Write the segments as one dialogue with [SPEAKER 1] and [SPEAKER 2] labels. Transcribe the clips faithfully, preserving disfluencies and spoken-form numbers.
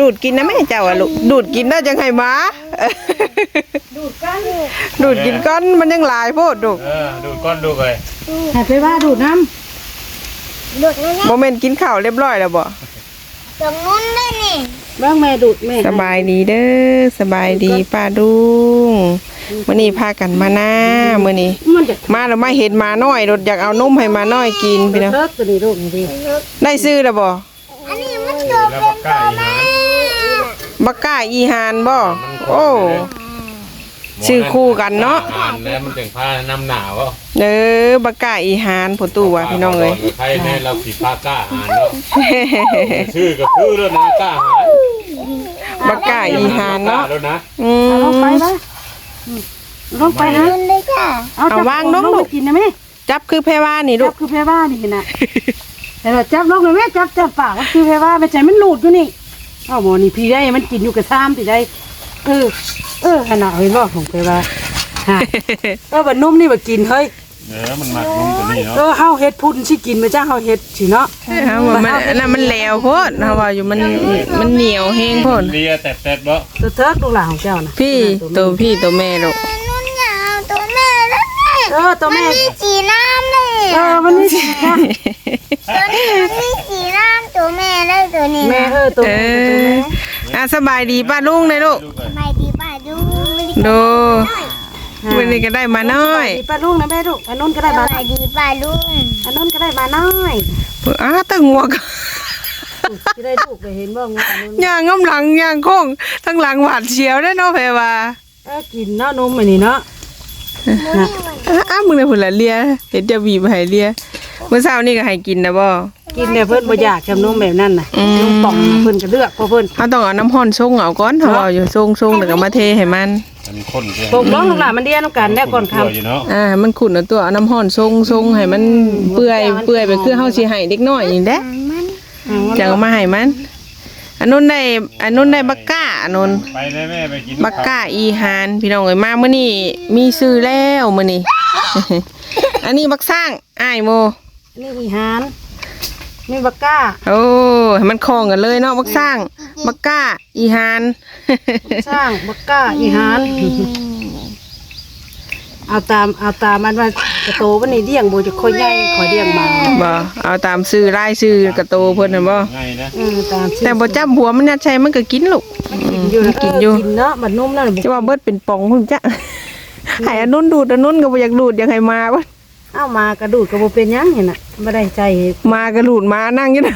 [SPEAKER 1] ดูดกินนะแม่เจ้าอะลูกดูดกินได้จังไงมาดูดก้อนดูดกินก้อนมันยังหลายโพดดู
[SPEAKER 2] เออดูดก้อนดูเลย
[SPEAKER 3] ให้ไปว่าดูดน้ำ
[SPEAKER 4] ดูดนะ
[SPEAKER 1] โมเมนต์กินข้าวเรียบร้อยแล้วบ่
[SPEAKER 4] ตรงนู้นได้นี่
[SPEAKER 3] บ้างแม่ดูดแม่
[SPEAKER 1] สบายดีเด้อสบายดีป้าดุงมื้อนี้พากันมาหน้ามื้อนี้มาแล้วไม่เห็นมาน้อยรถอยากเอานมให้มาน้อยกินพี่น้องได้ซื้อแล้วบ่
[SPEAKER 4] อันนี้มันเกิดเป็นตัวแม่
[SPEAKER 1] บักก้าอีหานบ่โอ้ชื่อคู่กันเนาะ
[SPEAKER 2] แล้วมันถึงผ้าน้ำหนาวอ่ะ
[SPEAKER 1] เด้อบักก้าอีหานพ่อตู่ว่าพี่น้องเอ้ย
[SPEAKER 2] ใครแน่เราผีผ้ากล้าหานเนาะชื่อก็คือแล้วนะกล้าหาน
[SPEAKER 1] บักก้าอีหานเนาะ
[SPEAKER 3] อืมลงไปนะลงไปนะ
[SPEAKER 1] เอาวางลงลูก
[SPEAKER 3] กินนะแม่
[SPEAKER 1] จับคือแพรว่านี่ลูก
[SPEAKER 3] จับคือแพรว่านี่นะแต่เราจับลงเลยแม่จับจับปากก็คือแพรว่าไม่ใช่มันหลุดอยู่นี่อ้าวหมอนี่พี่ได้มันกินอยู่กับซ้ำพี่ได้เออเออขนาดเห็นบ่ของแพรว่าฮะเออบัดนุ่มนี่บัดกินเฮ้ย
[SPEAKER 2] เออมันมักนุ่มตัวนี้เนาะ
[SPEAKER 3] เออเฮาเฮ็ดพุ่นสิกินมาจ้าเฮาเฮ็ดสิเนาะ
[SPEAKER 1] เฮาว่ามันน่ะมันแหลวโพดเฮาว่าอยู่มันมันเหนียวแห้งโพด
[SPEAKER 2] เลียแตะๆบ่
[SPEAKER 3] ตัวเทิกลูกหลานของเจ้านะ
[SPEAKER 1] พี่ตัวพี่ตัวแม่ลูก
[SPEAKER 4] นุ่นยาวตัวแม่แล้ว
[SPEAKER 3] เออตัวแม่
[SPEAKER 4] มันมีสีน้ำเลย
[SPEAKER 3] เออมันมีสีน้
[SPEAKER 4] ำตัวนี้มันมีสีน้ำตัวแม่แล้วตัวนี้
[SPEAKER 3] แม่เออตัวแม่
[SPEAKER 1] อ่ะสบายดีป้าลุงเลยลูก
[SPEAKER 4] สบายดีป้าลุง
[SPEAKER 1] ดูวันนี้ก็ได้มาน้อย
[SPEAKER 3] ดีป้าลุงนะแม่ลูกอันนู้นก็ได้มา
[SPEAKER 4] สบายดีป้าลุง
[SPEAKER 3] อันนู้นก็ได้มาน้อย
[SPEAKER 1] อ้าตั้งงวก
[SPEAKER 3] จะได้ลูกไปเห็นบ้างอันนู้น
[SPEAKER 1] ย่างง้มหลังย่างโค้งทั้งหลังหวาดเสียวได้เนาะแพรว่า
[SPEAKER 3] เออกินเนาะนมอันนี้เนาะ
[SPEAKER 1] อ้ามึงเนี่ยผุนละเลียเห็นจะบีบให้เลียเมื่อเช้านี่ก็ให้กินนะบ่
[SPEAKER 3] กินเนี่ยเพิ่นบ่อยากชำนมแบบนั้นน่ะนมป่องเพิ่นก็เลือกเพราะเพิ่น
[SPEAKER 1] เขาต้องเอาน้ำห้อนชงเอาก่อนเขาเอาอยู่ชงชงแล้วก็มาเทให้มัน
[SPEAKER 2] มันข้นใช่
[SPEAKER 3] ปกน้องลูกหลานมันเดียน้ำกันได้ก่อนครับ
[SPEAKER 1] อ่ามันขุ่นเอาตัวเอาน้ำห้อนชงชงให้มันเปื่อยเปื่อยไปคือเฮาสิให้เด็กน้อยนี่แหละจังเอามาให้มันอันนู้นได้อันนู้นได้บักก้าอันนู้น
[SPEAKER 2] ไปได้แม่ไปกิน
[SPEAKER 1] บักก้าอีหานพี่น้องเอ้ยมามื้อนี้มีซื้อแล้วมื้อนี้อันนี้บักสร้างอ้ายโม
[SPEAKER 3] นี่อีหานนี่บักก้า
[SPEAKER 1] โอ้ให้มันคล้องกันเลยเนาะบักสร้างบักก้าอีหาน
[SPEAKER 3] สร้างบักก้าอีหานเอาตามเอาตามมันว่ากระโตวันนี้เลี้ยงโบจะค่อยใหญ่ค่อยเลี้ยงมา
[SPEAKER 1] บ่เอาตามซื้อรายซื้อกระโตเพิ่นน่ะบ่
[SPEAKER 2] ง่ายนะ
[SPEAKER 3] เออตาม
[SPEAKER 1] แต่บ่จับหัวมันน่ะใช่มันก็กินลูก
[SPEAKER 3] กินอยู่กินอยู่กินเนาะบัดนุ่มนั่น
[SPEAKER 1] จะว่าเบิดเป็นป่องพุ่นจ้ะให้อันนู้นดูดอันนู้นก็บ่อยากดูดอยากให้มาบ่
[SPEAKER 3] เอ้ามากระดูดก็บ่เป็นหยังเห็นน่ะบ่ได้ใจ
[SPEAKER 1] มากระดูดมานั่งอยู่น่ะ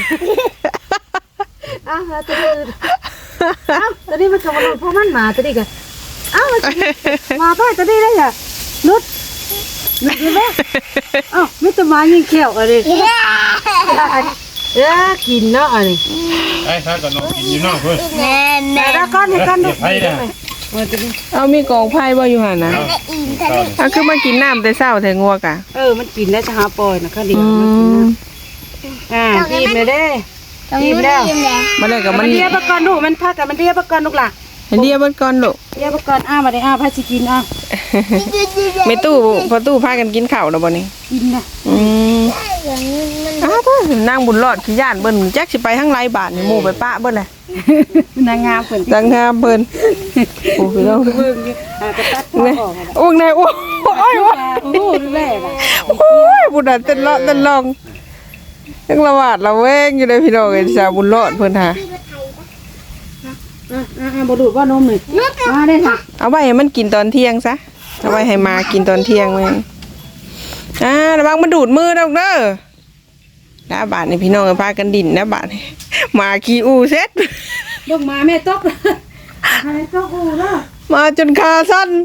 [SPEAKER 3] อ้าวตัวนี้อ้าวตัวนี้มันก็บ่รู้เพราะมันมาตัวนี้ก็อ้าวมาไปตัวนี้ได้อ่ะนุดนุดไหมอ้าวไม่ต้องมายิงแขวอะไรเออกินเนาะอะไร
[SPEAKER 2] ไอ้ถ้าก็น้องกินอยู่นอกเพิ่น
[SPEAKER 4] แน่แน่
[SPEAKER 3] แล้วก้อนนี่ก้อนดู
[SPEAKER 1] เอามีกองไผ่บ่อยู่หั่นน่ะอ่ะคือมากินน้ำแต่เช้าแต่งัวกะ
[SPEAKER 3] เออมันกินแล้วจะหาปล่อยนะค่ะเดี๋ยวมันกินน้ำอ่ากินเลยเด้กินแล้ว
[SPEAKER 1] มาเลยกับมัน
[SPEAKER 3] เดียบก่อนลูกมันพากันมันเดียบก่อนลูกหล่ะ
[SPEAKER 1] เดียบก่อนลูก
[SPEAKER 3] เดียบก่อนอ้ามาได้อ้าพาสิกินอ้า
[SPEAKER 1] ไม่ตู้พอตู้พากันกินข้าวแล้วบ่นี่
[SPEAKER 3] กินนะ
[SPEAKER 1] อืมอ้าวนั่งบุญรอดขี้ย่านเบิ่นแจ็คสิไปทั้งไรบาทนี่หมู่ไปปะเบิ่นเลย
[SPEAKER 3] นางงามเพิ่น
[SPEAKER 1] นางงามเพิ่นโอ้พี่น้อง
[SPEAKER 3] เบิ่งอยู่อ่ากระตัดคอออก
[SPEAKER 1] โอ้ยนายโอ้ยโอ้ย
[SPEAKER 3] โอ้ยแม่อ่ะ
[SPEAKER 1] โอ้ยบุญน่ะเต้นเลาะเต้นลองยังละหวาดละแวงอยู่เลยพี่น้องไอ้ชาวบุญรอดเพิ่นหา
[SPEAKER 3] อ่าๆบ่ดูดว่านมนี่มาได้ค่ะ
[SPEAKER 1] เอาไว้ให้มันกินตอนเที่ยงซะเอาไว้ให้มากินตอนเที่ยงแม่อ่าระวังมันดูดมือดอกเด้อแล้วบาทนี่พี่น้องพากันดินนะบาทมาขี้อูเซ็ต
[SPEAKER 3] ลงมาแม่ตกแม่ตกอูเนาะ
[SPEAKER 1] มาจนขาสั้น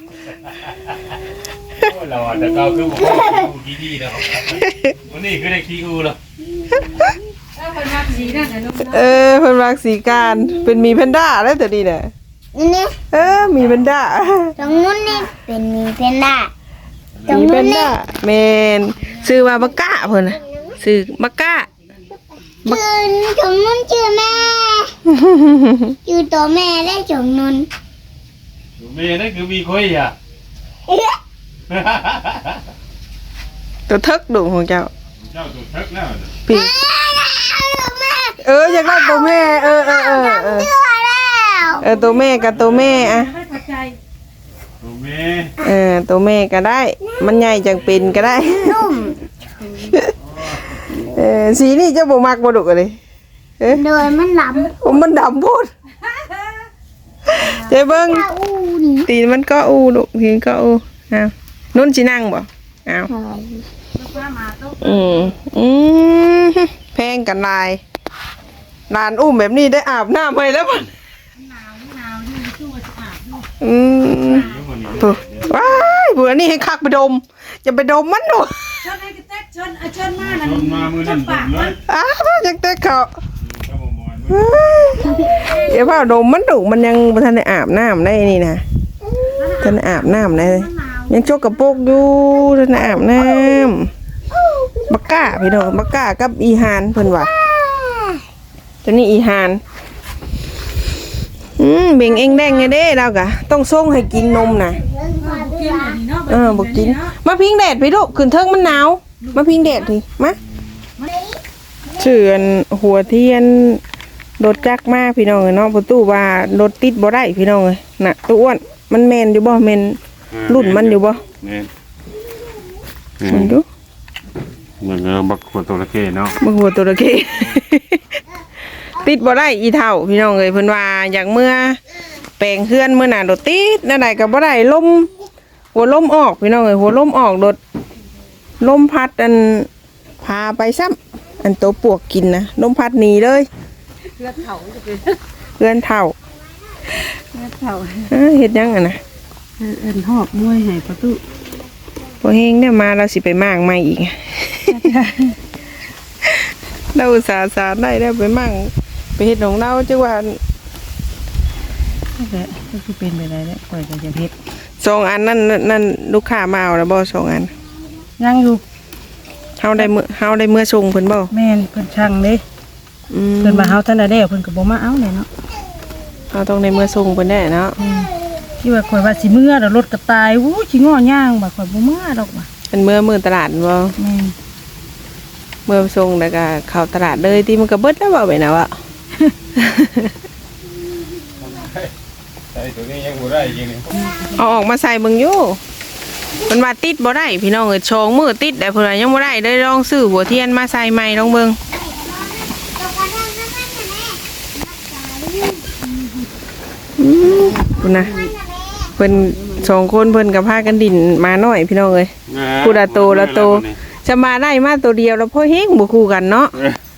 [SPEAKER 2] เราแต่เราคือขี้อูดีๆนะครับวันนี้คือได้ขี้อูแล้ว
[SPEAKER 1] เออเพิ่นรักสีการเป็นมีแพนด้าแล้วแต่ดีน่ะ
[SPEAKER 4] นี่
[SPEAKER 1] เออมีแพนด้า
[SPEAKER 4] ตรงนู้นนี่เป็นมีแพนด้า
[SPEAKER 1] มีแพนด้าแม่นชื่อว่าบักก้าเพิ่นน่ะชื่อบักก้า
[SPEAKER 4] ชื่อจงนุ่นชื่อแม่ชื่อตัวแม่ได้จงนุ่น
[SPEAKER 2] แม่นั่นคือมีคุยอ่ะ
[SPEAKER 1] ตัวเทิกดุของเจ้า
[SPEAKER 2] เจ้าตัวเทิกแล้ว
[SPEAKER 1] พี่เอออยากได้ตัวแม่เออเออเออเออตัวแม่กับตัวแม่อะ
[SPEAKER 3] ไม่เข้าใจ
[SPEAKER 2] ตัวแม่
[SPEAKER 1] เออตัวแม่ก็ได้ มันใหญ่จังเป็นก็ได้
[SPEAKER 4] นุ่ม
[SPEAKER 1] เออสีนี่เจ้าบ่มักบ่ดุกเลยเอ๊ะ
[SPEAKER 4] โดยมันหล้
[SPEAKER 1] โอ้มันดำโพดเจ๊เบิ่ง
[SPEAKER 4] ำตาอูนี่
[SPEAKER 1] ตีนมันก็อูดุตีนก็อูอ้าวนุ่นสินั่งบ่อ้าวอืมอืมแพงกันลายลานอุ้มแบบนี้ได้อาบน้ำให้แล้วมันอืมปุ๊บว้ายเบื่อนี่ให้คักไปดมจะไปดมมันหนู
[SPEAKER 3] ชนไอ้กระแตกชนเอาชนมานั่น
[SPEAKER 2] ต้นมามือนั่นผมเลย
[SPEAKER 1] อ้าวจังเตะเขา
[SPEAKER 2] ก็บ่มอนมือ
[SPEAKER 1] เดี๋ยวพ่อดมมันดุมันยังบ่ทันได้อาบน้ำได้นี่นะทันได้อาบน้ำได้ยังชกกระโปกอยู่ทันได้อาบน้ำบักก้าพี่น้องบักก้ากับอีหานเพิ่นว่าตัวนี้อีหานอืมเบ่งเองแดงไงเด้เรากะต้องส่งให้กินนมนะ
[SPEAKER 3] กินอันนี้เนาะ
[SPEAKER 1] เออบอกกินมาพิงแดดพี่ลูกขึ้นเทิงมันหนาวมาพิงแดดทีมาเชื่อนหัวเทียนรถจักรมาพี่น้องเนาะประตูว่ารถติดบ่ได้พี่น้องเลยน่ะตัวอ้วนมันแมนอยู่บ่แมนรุ่นมันอยู่บ่
[SPEAKER 2] แม่น
[SPEAKER 1] มันดู
[SPEAKER 2] เหมือนเราบักขวดตัวละเข้เนาะ
[SPEAKER 1] บ่หัวตัวละเก ติดบ่ได้อีเท่าพี่น้องเอ้ยเพิ่นว่าอยากเมื่อแปลงเฮือนมื้อหน้ารถติดนั่นใดก็บ่ได้ลมหัวลมออกพี่น้องเอ้ยหัวลมออกรถลมพัดอันพาไปซ้ำอันตัวปวกกินนะลมพัดหนีเลย
[SPEAKER 3] เลือดเผาจะเป็น
[SPEAKER 1] เฮือนเท่า
[SPEAKER 3] เลือดเผา
[SPEAKER 1] เอ้อเฮ็ดหยังอ่ะนะ
[SPEAKER 3] เอ็นหอบมวยให้ประตู
[SPEAKER 1] บ่เฮงเนี่ยมาเราสิไปมางใหม่อีก เราอุตส่าห์สารได้แล้วไปมั่งไปเฮ็ดของเราจังว่า
[SPEAKER 3] นั่นแหละก็คือเป็นไปได้แล้วปล่อยกันจะเฮ็ด
[SPEAKER 1] สองอันนั่นนั่นลูกค้ามาเอาแล้วบ่สองอัน
[SPEAKER 3] ยังอยู่
[SPEAKER 1] เฮาได้มื้อเฮาได้มื้อส่งเพิ่นบ่
[SPEAKER 3] แม่นเพิ่นช่างเด้
[SPEAKER 1] อืม
[SPEAKER 3] เพิ่นมาเฮาท่านได้แล้วเพิ่นก็บ่มาเอาเลยเนาะ
[SPEAKER 1] เฮาต้องได้มื้อส่งเพิ่นได้เนาะ
[SPEAKER 3] ที่ว่าข่อยว่าสิเมื่อแล้วรถก็ตายอู้สิง้อย่างบ่ข่อยบ่เมื่อดอกว่ะ
[SPEAKER 1] เป็นมื้อมื้อตลาดบ่
[SPEAKER 3] แม่น
[SPEAKER 1] มื้อส่งแล้วก็เข้าตลาดเลยที่มันก็เบิดแล้วบ่ไปนะวะ
[SPEAKER 2] ใส่ตัวนี้ยังบ่ได้จริงนี่
[SPEAKER 1] เอาออกมาใส่เบิ่งอยู่เพิ่นว่าติดบ่ได้พี่น้องเอ้ยสองมื้อติดได้เพิ่นว่ายังบ่ได้เลยลองซื้อหัวเทียนมาใส่ใหม่ลองเบิ่งอืมคุณนะเพิ่นสองคนเพิ่นก็พากันดินมาหน่อยพี่น้องเอ้ย กูละโตละโต จะมาได้มาตัวเดียวแล้วพ่อเฮงบ่คู่กันเนาะ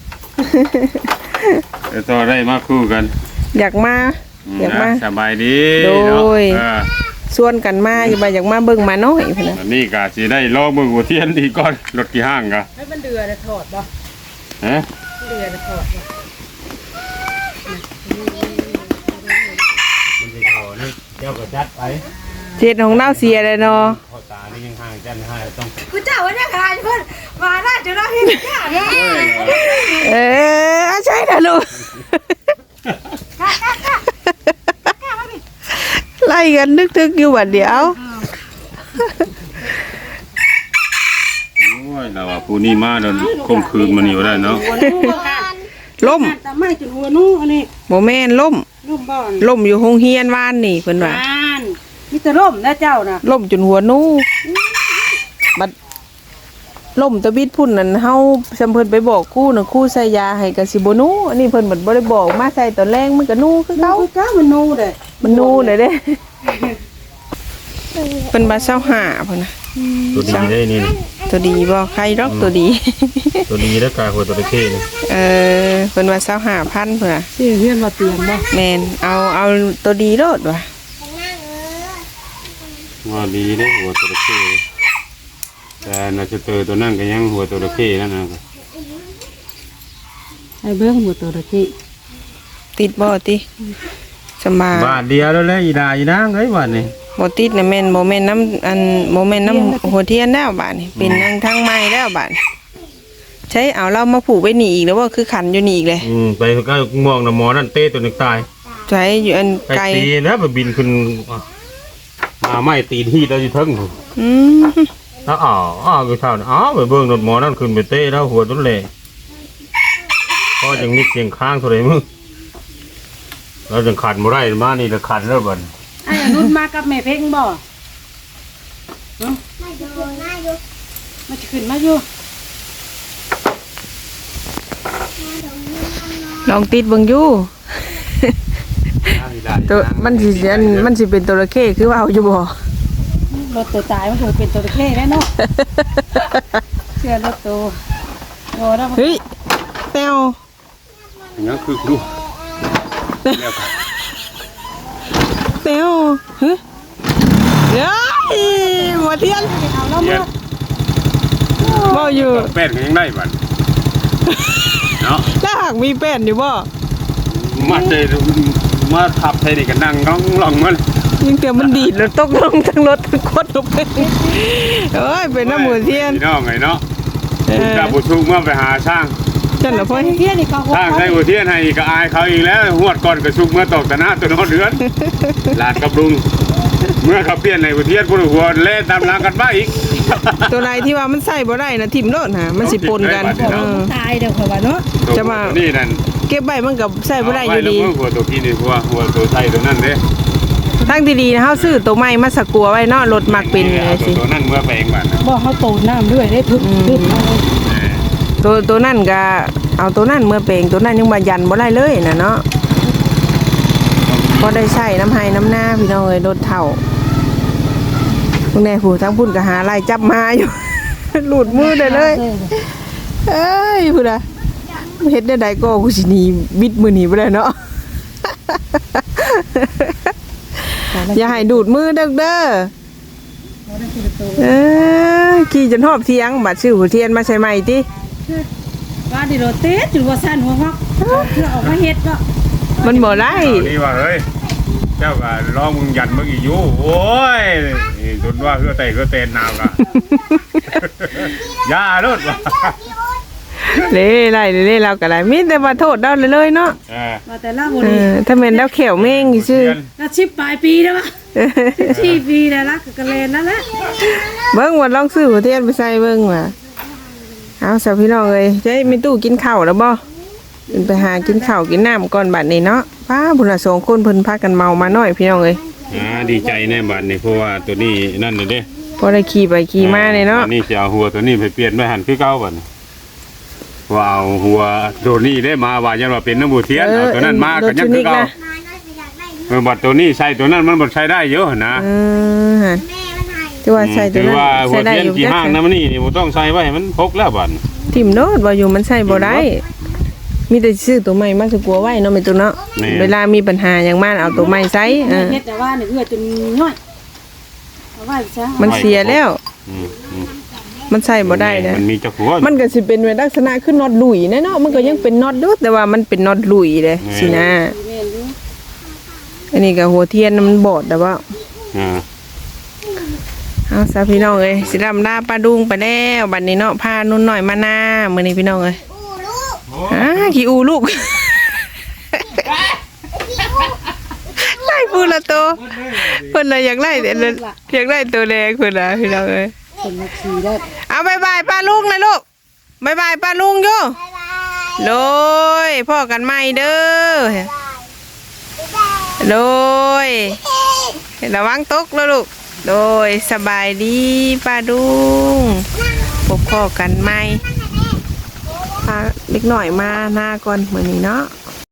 [SPEAKER 2] เดี๋ยวต่อได้มาคู่กัน
[SPEAKER 1] อยากมา อยากมา
[SPEAKER 2] สบายดี
[SPEAKER 1] โดย
[SPEAKER 2] เนาะ
[SPEAKER 1] ชวนกันมาอย่ามาอยากมาเบิ่งมาน้อยพุ่น
[SPEAKER 2] เอ
[SPEAKER 1] น่ะ
[SPEAKER 2] ออันนี้ก็สิได้รอเบิ่งหัวเทียนอีกก่อนรถกี่ห้างกะ
[SPEAKER 3] ให้มันเดือดถอดบ่
[SPEAKER 2] ฮะ
[SPEAKER 3] เดือดถอด
[SPEAKER 2] มันสิเข้านี่เจ้าก็จัดไป
[SPEAKER 1] เจ็ดของเราเสียเลยเนาะ
[SPEAKER 2] พอตานี่ยังห่างจันให้ต้อง
[SPEAKER 3] กูเจ้าว่าเนี่ยค่ะเพิ่นมาได้จะได้เฮ็ดจ้า
[SPEAKER 1] เออเอาใช่น่ะลูกไล่กันนึกๆอยู่บัดเดียว
[SPEAKER 2] โอ้ยเราว่าผู้นี้มาโดนข่มขืนมันอยู่ได้เนาะ
[SPEAKER 1] ล่ม
[SPEAKER 3] แต่ไม่จนหัวนู้อันนี้
[SPEAKER 1] บ่แม่นล่ม
[SPEAKER 3] ร่มบ่อน
[SPEAKER 1] ล่มอยู่โรงเรียนวานนี่เพิ่นว่า
[SPEAKER 3] อ่านมีแต่ร่มนะเจ้าน่ะ
[SPEAKER 1] ล่มจนหัวนูบัดล่มตะบิดพุ่นนั่นเฮาซำเพิ่นไปบอกครูน่ะครูใส่ยาให้ก็สิบ่นูอันนี้เพิ่นบัดบ่ได้บอกมาใส่ตอนแรงมันก็นูคือ
[SPEAKER 3] เก้า
[SPEAKER 1] เก่า
[SPEAKER 3] เก้ามันนูเด้
[SPEAKER 1] มันนูได้เด้เพิ่นบ่าเศร้าหาเพิ่นน่ะ
[SPEAKER 2] ตัวดีได้นี่นะ
[SPEAKER 1] ตัวดีบ่ใครดอกตัวดี
[SPEAKER 2] ตัวดีแล้วกายหัวตัวตะเข้นี่
[SPEAKER 1] เออเพิ่นว่าเศร้าหาพันเพิ่นน่ะ
[SPEAKER 3] ชื่อเฮือนว่าเตียงบ่
[SPEAKER 1] แม่นเอาเอาตัวดีโลดว่ะ
[SPEAKER 2] ว่าดีเด้หัวตัวตะเข้แต่น่าจะเจอตัวนั่นก็ยังหัวตัวตะเข้นั่นนะ
[SPEAKER 3] ไอ้เบิ่งหัวตัวตะกี้
[SPEAKER 1] ติดบ่ติสำบาย
[SPEAKER 2] บาทเดียวแล้วแหละอีดาอีนางเอ้ยบาทนี่
[SPEAKER 1] บ่ติดน่ะแม่นบ่แม่นน้ำอันบ่แม่นน้ำหัวเทียนแล้วบาดนี้เป็นนางทางไม้แล้วบาดนี้ใช้เอาเรามาผูกไว้นี่อีกแล้วว่าคือขันอยู่นี่อีกเลย
[SPEAKER 2] อืมไปก็มองน่ะหมอนั่นเต้ตัวนึงตาย
[SPEAKER 1] ใช้อยู่อัน
[SPEAKER 2] ไป
[SPEAKER 1] ไกล
[SPEAKER 2] ตีแล้วไปบินขึ้นมาไม่ตีนที่เราอยู่เทั้ง
[SPEAKER 1] อืม
[SPEAKER 2] แล้วอ๋ออ๋อคือเท่านั้นอ๋อไปเบิ่งรถหมอนั่นขึ้นไปเต้แล้วหัวต้นเหล่ก็ยังมีเสียงค้างเท่าไหร่มึงเราจะขันบ่ได้มานี่จะขันแล้วบัด
[SPEAKER 3] ไอ้อนุชมากับแม่เพ่งบ่เนาะ
[SPEAKER 4] ไม่ดูไม่ดู
[SPEAKER 3] มันจะขึ้นมาอยู่
[SPEAKER 1] ลองติดเบิ่งอยู่ตัวมันสิอันมันสิเป็นตัวระเข้คือว่าเอาอยู่บ่
[SPEAKER 3] รถตัวตายมันคงเป็นตัวตะเข้แล้วเนาะเชื่อรถตัวโอ้แล้ว
[SPEAKER 1] เฮ้ยแต้ว
[SPEAKER 2] ยังคือดูแล้วก็
[SPEAKER 1] แต้วเฮ้ยเฮ้ยบ่เทียน
[SPEAKER 3] เอาแล้ว
[SPEAKER 2] เย็
[SPEAKER 3] มาน
[SPEAKER 1] บ่อยู่
[SPEAKER 2] แป้นก็ยังได้บัดเนาะ
[SPEAKER 1] ถ้าหากมีแป้นอยู่บ่
[SPEAKER 2] มาเจอมาทับใส่นี่ก็นั่งร้องร้องมัน
[SPEAKER 1] ยังเตียมันดีดแล้วตกลงทั้งรถทั้งคนลงไปเอ้ยเป็นน้ำหมูเทียน
[SPEAKER 2] พี่น้องไงเนาะ
[SPEAKER 1] เออ
[SPEAKER 2] จะบุชุกเมื่อไปหาช่าง
[SPEAKER 1] จันเหรอพ่อ
[SPEAKER 3] เที่ยนี่เขา
[SPEAKER 2] ช่างใช้หัวเทียนให้ก็อายเขาอีกแล้วหวดก่อนก็ชุกเมื่อตกตะหน้าตัวนอนเดือนหลานกับลุงเมื่อเขาเปลี่ยนในหัวเทียนพุ่นหัวเล่ตามหลังกันมาอีก
[SPEAKER 1] ตัวไหนที่ว่ามันใส่บ่ได้นะทิ่มโลดฮะมันสิปนกันเออ
[SPEAKER 3] ตายเดี๋ยวเขาว่าเนาะ
[SPEAKER 1] จะมา
[SPEAKER 2] นี่นั่น
[SPEAKER 1] เก็บใบมันกับใส่บ่ได้อยู่ดี
[SPEAKER 2] หัวตัวกี้นี่หัวหัวตัวไทยตัวนั่นเด้
[SPEAKER 1] ทั้งดีๆนะเฮาซื้อตัวใหม่มาสกัวไว้เนาะรถมักเป็นเลยสิ
[SPEAKER 2] ตัวนั่นเมื่อไปเองบ้านนะ
[SPEAKER 3] บอกเขาตูดน้ำด้วยได้ทึบทึบเอาเลย
[SPEAKER 1] ตัวตัวนั่นก็เอาตัวนั่นเมื่อเปลงตัวนั่นยังบ่ยันบ่ได้เลยน่ะเนาะพอได้ใช้น้ำให้น้ำหน้าพี่น้องเอ้ยรถเฒ่าพวกแน่ผู้ทั้งพุ่นก็หาไล่จับมาอยู่ หลุดมือได้เลยเอ้ยพุ่นน่ะเฮ็ดได้ใดก็กูสิหนีบิดมือหนีบ่ได้เนาะ อย่าให้ดูดมือเด้อเด้อเอ้ยขี่จนหอบเทียงบัดซื้อหัวเทียนมาใส่ใหม่ติ
[SPEAKER 3] ว่าดิโรเตสจุดว่าสั้นหัวฮอกเพื่อออกมาเฮ็ดก็
[SPEAKER 1] มันบ่ได้
[SPEAKER 2] เอานี่ว่าเฮ้ยเจ้าก็ร้องมึงยันมึงอีกอยู่โอ้ยนี่จนว่าเฮือเตะเฮือเตนนาวกะ อย่าโลดว่ะ
[SPEAKER 1] เล่ไล่เล่เราก็ได้มีแต่ว่าโทษเราเลยเนาะ
[SPEAKER 2] เออ
[SPEAKER 3] ว่าแต่ละบุ
[SPEAKER 1] เอ
[SPEAKER 3] รี
[SPEAKER 1] อถ้าแม่นแล้วแขวแม่งอีซื่อ
[SPEAKER 3] แล้วชิบปลายปีแล้ววะชีปีแล้วละกะเลนแล้วละ
[SPEAKER 1] เบิ่งว่าลองซื้อหัวเทียนไปใส่เบิ่งว่าเอาสาวพี่น้องเอ้ยจะให้มีตู้กินข้าวแล้วบ่ขึ้นไปหากินข้าวกินน้ำก่อนบัดนี้เนาะป้าพุ่นน่ะสองคนเพิ่นพากันเมามาน้อยพี่น้องเอ้ย
[SPEAKER 2] อ่าดีใจแน่บัดนี่เพราะว่าตัวนี้นั่นเลยเด้
[SPEAKER 1] พอได้ขี่ไปขี่มาเลยเนาะ
[SPEAKER 2] อันี่จะเอาหัวตัวนี้ไปเปลี่ยนไปหันคือเก่าบัดนี้ว่าเอาหัวตัวนี้ได้มาว่ายันว่าเป็นน้ำบูเทียนเอาตัวนั้นมาก็ยังคือเก่า
[SPEAKER 4] มาน้อยไปอยากได้
[SPEAKER 2] เออบัดตัวนี้ใส่ตัวนั้นมันบ่ใช้ได้เยอะนะ
[SPEAKER 1] เออหั่น
[SPEAKER 4] แม่มันให้
[SPEAKER 1] ที่ว่าใส่ตัว
[SPEAKER 2] ถือ
[SPEAKER 1] นั้น
[SPEAKER 2] ว่าหั
[SPEAKER 1] ใส่
[SPEAKER 2] ว
[SPEAKER 1] ได้
[SPEAKER 2] เทียน
[SPEAKER 1] อยู่
[SPEAKER 2] กี่
[SPEAKER 1] จัก
[SPEAKER 2] ห้างน้ำนี่นี่บ่ต้องใส่ไว้ให้มันพกแล้วบัด
[SPEAKER 1] ทิ่มโนดว่าอยู่มันใส่บ่ได้ มีแต่ซื้อตัวใหม่มาสกัวไว้เนาะแม่ตัวเนาะเวลามีปัญหาอย่างมากเอาตัวใหม่ใส่เออ
[SPEAKER 3] เฮ็ดแต่ว่าเนี่ยเอื้อจนน้อยเอาไว้ซะ
[SPEAKER 1] มันเสียแล้ว
[SPEAKER 2] อืมอืม
[SPEAKER 1] มันใส่บ่ได้นะ
[SPEAKER 2] มันมีจักหัว
[SPEAKER 1] มันก็สิเป็นในลักษณะคือน็อตหลุยแน่เนาะมันก็ยังเป็นน็อตอยู่แต่ว่ามันเป็นน็อตหลุยเลยสินะ
[SPEAKER 3] แม่นอยู่
[SPEAKER 1] อันนี้ก็หัวเทียนน่ะมันบอดแต่ว่า
[SPEAKER 2] อ่า
[SPEAKER 1] เอาซะพี่น้องเอ้ยสิรำลาป้าดุงไปแล้วบัดนี้เนาะพานุ่นหน่อยมาหน้ามื้อนี้พี่น้องเอ้ย
[SPEAKER 4] อู้ลูก
[SPEAKER 1] อ่าขี้อูลูก ไล่พูดละตัวเพิ่นเลยอยากไล่แต่ละอยากไล่ตัวแดงเพิ่นน่ะพี่น้องเอ้ย
[SPEAKER 3] เป็นมาขี่ได้
[SPEAKER 1] เอาบายบายป้าลุงเลยลูกบายบายป้าลุงอยู่
[SPEAKER 4] บ๊ายบาย
[SPEAKER 1] โดยพ่อกันใหม่เด้อ
[SPEAKER 4] บ๊ายบาย
[SPEAKER 1] โดยระวังตกแล้วลูกโดยสบายดีป้าดุงพบพ่อกันใหม่พาเล็กหน่อยมาหน้าก่อนมื้อนี้เนาะ